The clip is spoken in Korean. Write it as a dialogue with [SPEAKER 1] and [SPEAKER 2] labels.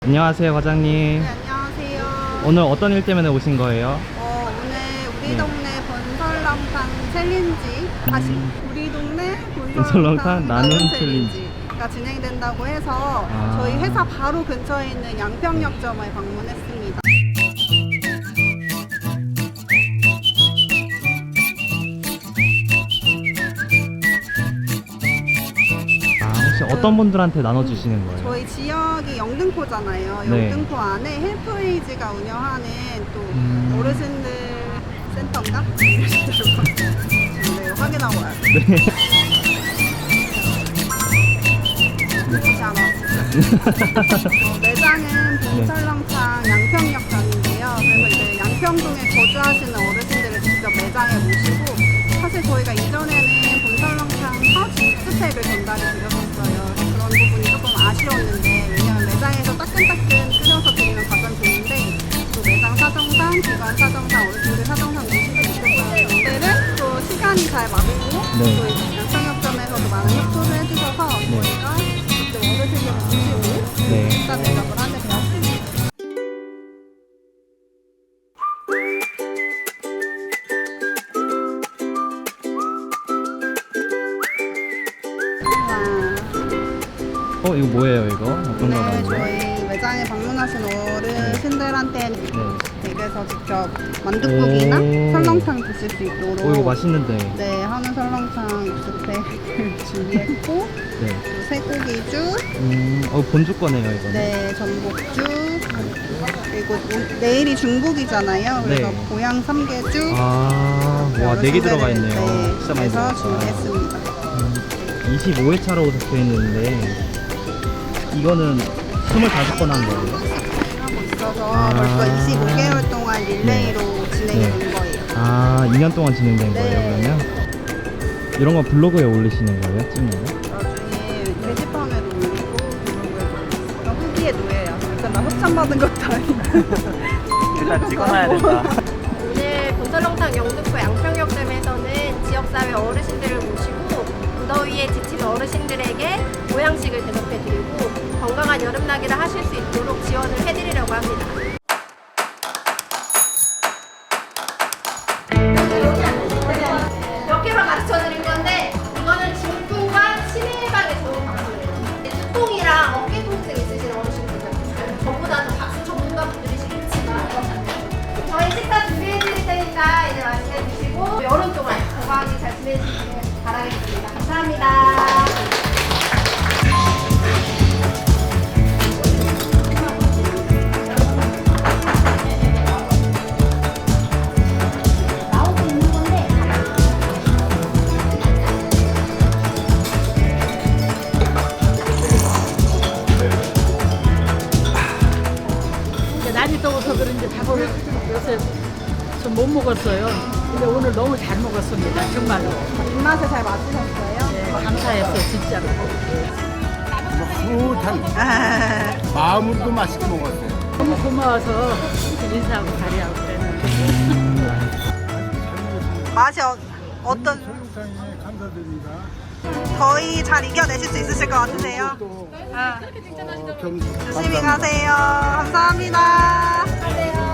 [SPEAKER 1] 안녕하세요, 과장님.
[SPEAKER 2] 네, 안녕하세요.
[SPEAKER 1] 오늘 어떤 일 때문에 오신 거예요?
[SPEAKER 2] 오늘 우리
[SPEAKER 1] 네.
[SPEAKER 2] 동네 본설렁탕 챌린지, 다시 우리 동네
[SPEAKER 1] 본설렁탕
[SPEAKER 2] 본설렁탕
[SPEAKER 1] 나눔
[SPEAKER 2] 나눔
[SPEAKER 1] 챌린지.
[SPEAKER 2] 챌린지가 진행된다고 해서
[SPEAKER 1] 아.
[SPEAKER 2] 저희 회사 바로 근처에 있는 양평역점에 방문했습니다.
[SPEAKER 1] 혹시 어떤 분들한테 나눠주시는 거예요?
[SPEAKER 2] 저희 지역이 영등포잖아요.
[SPEAKER 1] 네.
[SPEAKER 2] 영등포 안에 헬프에이지가 운영하는 또 어르신들 센터인가? 네, 확인하고 와요. 매장은 본설렁탕 양평역점인데요. 그래서 이제 양평동에 거주하시는 어르신들을 직접 매장에 모시고, 사실 저희가 이전에는 본설렁탕 파우치 스펙을 전달해 드렸었어요. 그런 부분이 조금 아쉬웠는데, 왜냐면 매장에서 따끈따끈 끓여서 드리면 가장 좋은데, 또 매장 사정상, 기관 사정상, 어르신들 사정상 모시지 못했어요. 그때는 또 시간이 잘 맞고,
[SPEAKER 1] 네.
[SPEAKER 2] 또 이제 양평역점에서도 많은 협조를 해주셔서 저희가 직접 어르신들 모시고
[SPEAKER 1] 네.
[SPEAKER 2] 식사 대접을 하게 되었습니다.
[SPEAKER 1] 이거 뭐예요, 이거? 어떤
[SPEAKER 2] 네,
[SPEAKER 1] 거라고요?
[SPEAKER 2] 저희 매장에 방문하신 어르신들한테는 댁에서 직접 만둣국이나
[SPEAKER 1] 오.
[SPEAKER 2] 설렁탕 드실 수 있도록
[SPEAKER 1] 이거 맛있는데.
[SPEAKER 2] 네, 한우 설렁탕 육수팩을 준비했고,
[SPEAKER 1] 네.
[SPEAKER 2] 또 쇠고기죽,
[SPEAKER 1] 본주 거네요, 이거는.
[SPEAKER 2] 네, 전복죽, 그리고 내일이 중국이잖아요. 그래서
[SPEAKER 1] 네.
[SPEAKER 2] 고향 삼계죽,
[SPEAKER 1] 와, 4개 들어가 있네요.
[SPEAKER 2] 네,
[SPEAKER 1] 진짜 많이
[SPEAKER 2] 그래서
[SPEAKER 1] 들어갔다.
[SPEAKER 2] 준비했습니다.
[SPEAKER 1] 25회 차로 적혀 있는데, 이거는 25건 한 거예요?
[SPEAKER 2] 하고 있어서
[SPEAKER 1] 아.
[SPEAKER 2] 벌써 25개월 동안 릴레이로 진행이 된 거예요.
[SPEAKER 1] 2년 동안 진행된 거예요,
[SPEAKER 2] 네.
[SPEAKER 1] 그러면? 이런 거 블로그에 올리시는 거예요? 찍는 거?
[SPEAKER 2] 나중에 게시판에도 올리고 블로그에도 올리고, 그냥 후기에 놓여요. 일단 나 협찬받은 것도 아니고.
[SPEAKER 1] 일단 찍어놔야 된다.
[SPEAKER 3] 오늘 본설렁탕 영등포 양평역점에서는 지역사회 어르신들을 모시고 무더위에 지친 어르신들에게 보양식을 대접해드리고 건강한 여름나기를 하실 수 있도록 지원을 해드리려고 합니다. 몇 개로 가르쳐드릴 건데 이거는 중풍과 치매 예방에 좋은 박수예요. 두통이랑 어깨 통증 있으신 어르신분들 전부 다 박수 전문가분들이시겠지만 저희 식사 준비해드릴 테니까 이제 맛있게 드시고 여름 동안 건강하게 잘 지내시길 바라겠습니다. 감사합니다. 나오고 있는 건데
[SPEAKER 4] 이제 날이 더워서 그런지 밥을 요새 좀 못 먹었어요. 근데 오늘 너무 잘 먹었습니다. 정말로.
[SPEAKER 2] 입맛에 잘 맞으셨어요?
[SPEAKER 4] 네, 감사했어요, 진짜로.
[SPEAKER 5] 흐뭇한 마음으로도 맛있게 먹었어요.
[SPEAKER 4] 너무 고마워서 인사하고 자리하고 그랬는데.
[SPEAKER 2] 맛이 어떤? 거의 잘 이겨내실 수 있으실 것 같으세요? 조심히 가세요. 감사합니다.